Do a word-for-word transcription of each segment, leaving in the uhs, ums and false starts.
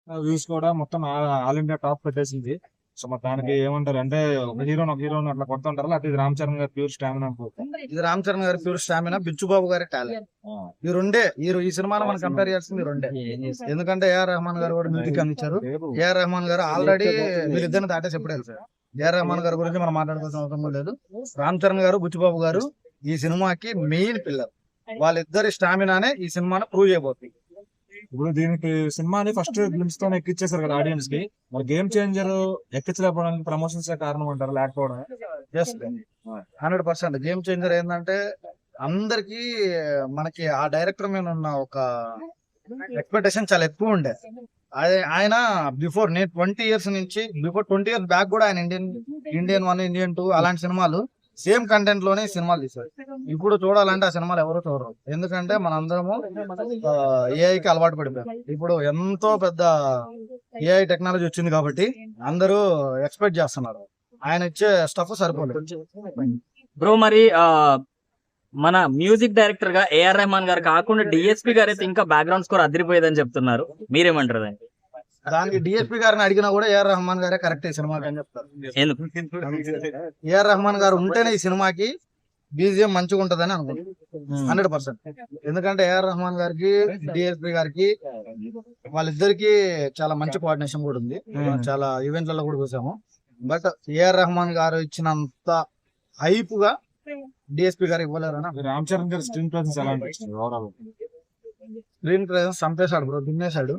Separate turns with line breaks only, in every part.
Views కూడా మొత్తం all India top పెట్టేసింది. సో మరి దానికి ఏమంటారు అంటే ఒక హీరోని ఒక హీరోని అట్లా కొడుతుంటారు, అట్లా ఇది రామ్ చరణ్ గారు ప్యూర్ స్టామినా అనుకోవచ్చు.
ఇది రామ్ చరణ్ గారి ప్యూర్ స్టామినా, బిచ్చుబాబు గారి టాలెంట్. ఈ రెండే ఈ ఈ సినిమాలో మనం కంపేర్ చేస్తుంది ఈ రెండే. ఎందుకంటే ఏఆర్ రెహమాన్ గారు కూడా మ్యూజిక్ అందించారు. ఏఆర్ రెహమాన్ గారు ఆల్రెడీ వీళ్ళిద్దరిని దాటేసి ఎప్పుడు వెళ్తారు. ఏఆర్ రెహమాన్ గారి గురించి మనం మాట్లాడుకోవాల్సిన అవసరం లేదు. రామ్ చరణ్ గారు, బుచ్చిబాబు గారు ఈ సినిమాకి మెయిన్ పిల్లర్. వాళ్ళిద్దరి స్టామినానే ఈ సినిమాను ప్రూవ్ చేయబోతుంది.
ఇప్పుడు దీనికి సినిమాని ఫస్ట్ గ్లిమ్స్ తోనే ఎక్కిచ్చేసారు కదా ఆడియన్స్ కి. మరి గేమ్ చేంజర్ ఎక్కించలేకపోవడానికి ప్రమోషన్స్ కారణం అంటారు, లేకపోవడం?
హండ్రెడ్ పర్సెంట్ గేమ్ చేంజర్ ఏంటంటే అందరికి మనకి ఆ డైరెక్టర్ మీద ఉన్న ఒక ఎక్స్పెక్టేషన్ చాలా ఎక్కువ ఉండే. ఆయన బిఫోర్ నేను ట్వంటీ ఇయర్స్ నుంచి బిఫోర్ ట్వంటీ ఇయర్స్ బ్యాక్ కూడా ఆయన Indian Indian one Indian two అలాంటి సినిమాలు సేమ్ కంటెంట్ లోనే సినిమాలు తీశారు. ఇప్పుడు చూడాలంటే ఆ సినిమాలు ఎవరు చూడరు. ఎందుకంటే మనందరము ఏఐకి అలవాటు పడిపోయాం. ఇప్పుడు ఎంతో పెద్ద ఏఐ టెక్నాలజీ వచ్చింది కాబట్టి అందరూ ఎక్స్పెక్ట్ చేస్తున్నారు. ఆయన ఇచ్చే స్టఫ్ సరిపోలేదు.
బ్రో మరి ఆ మన మ్యూజిక్ డైరెక్టర్ గా ఏఆర్ రెహమాన్ గారు కాకుండా డిఎస్పీ గారు అయితే ఇంకా బ్యాక్గ్రౌండ్ స్కోర్ అదిరిపోయేదని చెప్తున్నారు, మీరేమంటారు దాన్ని?
దానికి డిఎస్పీ గారిని అడిగినా కూడా ఏఆర్ రెహమాన్ గారే కరెక్ట్ ఈ సినిమాకి అని చెప్తారు.
ఎందుకు?
ఏఆర్ రెహమాన్ గారు ఉంటేనే ఈ సినిమాకి బీజిఎం మంచిగా ఉంటదని అనుకుంటున్నాను హండ్రెడ్ పర్సెంట్. ఎందుకంటే ఏఆర్ రెహమాన్ గారికి డిఎస్పీ గారికి వాళ్ళిద్దరికి చాలా మంచి కోఆర్డినేషన్ కూడా ఉంది. చాలా ఈవెంట్లలో కూడా చూసాము. బట్ ఏఆర్ రెహమాన్ గారు ఇచ్చినంత హైప్ గా డిఎస్పీ గారు ఇవ్వలేరని.
రామ్ చరణ్ గారి స్క్రీన్ ప్రెసెన్స్ ఎలా అనిపిస్తుంది ఓవరాల్?
స్క్రీన్ ప్రెసెన్స్ చంపేశాడు బ్రో, దున్నేశాడు.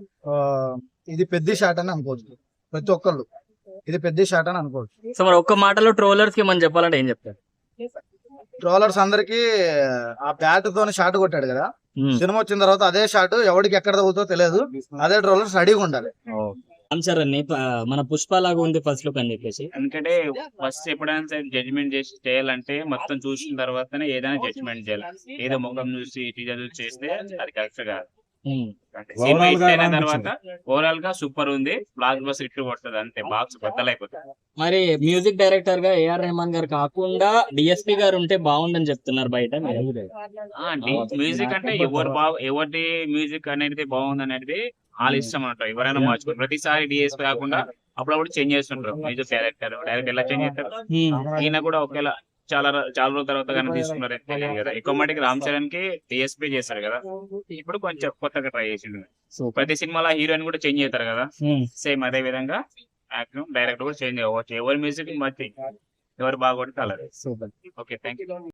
ఇది పెద్ద షాట్ అని అనుకోవచ్చు ప్రతి ఒక్కళ్ళు, ఇది పెద్ద షాట్ అని అనుకోవచ్చు.
సో మరి ఒక్క మాటలో ట్రోలర్స్ కి మనం చెప్పాలంటే ఏం చెప్తారు?
ట్రోలర్స్ అందరికి ఆ బ్యాట్ తోని షాట్ కొట్టాడు కదా, సినిమా వచ్చిన తర్వాత అదే షాట్ ఎవరికి ఎక్కడ తగ్గుతుందో తెలియదు. అదే ట్రోలర్స్ రెడీగా ఉండాలి.
మన పుష్ప లాగా ఉంది ఫస్ట్ లుక్ అని చెప్పేసి.
ఎందుకంటే ఫస్ట్ ఎప్పుడైనా జడ్జ్మెంట్ చేసి చేయాలంటే మొత్తం చూసిన తర్వాతనే ఏదైనా జడ్జ్మెంట్ చేయాలి. ఏదో ముఖం చూసి టీజర్ చూసి చేస్తే అది కరెక్ట్ కాదు. సినిమా హిట్ అయిన తర్వాత ఓవరాల్ గా సూపర్ ఉంది, బ్లాక్ బస్ హిట్ కొడుతుంది, అంతే బాక్స్ బద్దలైపోతుంది.
మరి మ్యూజిక్ డైరెక్టర్ గా ఏఆర్ రెహమాన్ గారు కాకుండా డిఎస్పీ గారు ఉంటే బాగుందని చెప్తున్నారు బయట.
మ్యూజిక్ అంటే ఎవరు బాగు ఎవరి మ్యూజిక్ అనేది బాగుంది అనేది వాళ్ళ ఇష్టం అంటారు. ఎవరైనా మార్చుకోరు. ప్రతిసారి డిఎస్పీ కాకుండా అప్పుడప్పుడు చేంజ్ చేస్తుంటారు మ్యూజిక్ డైరెక్టర్. డైరెక్ట్ ఎలా చేంజ్ చేస్తారు? ఈయన కూడా ఒకేలా చాలా చాలా రోజుల తర్వాత కానీ తీసుకున్నారు తెలియదు కదా. ఎక్కువ మటుకు రామ్ చరణ్ కి డిఎస్పీ చేస్తారు కదా, ఇప్పుడు కొంచెం కొత్తగా ట్రై చేసిండు. ప్రతి సినిమాలో హీరోయిన్ కూడా చేంజ్ అవుతారు కదా, సేమ్ అదే విధంగా యాక్టర్ డైరెక్టర్ కూడా చేంజ్ అవ్వచ్చు. ఎవరి మ్యూజిక్ బట్టి ఎవరు బాగా కొడితే అలాగే. Okay, thank you.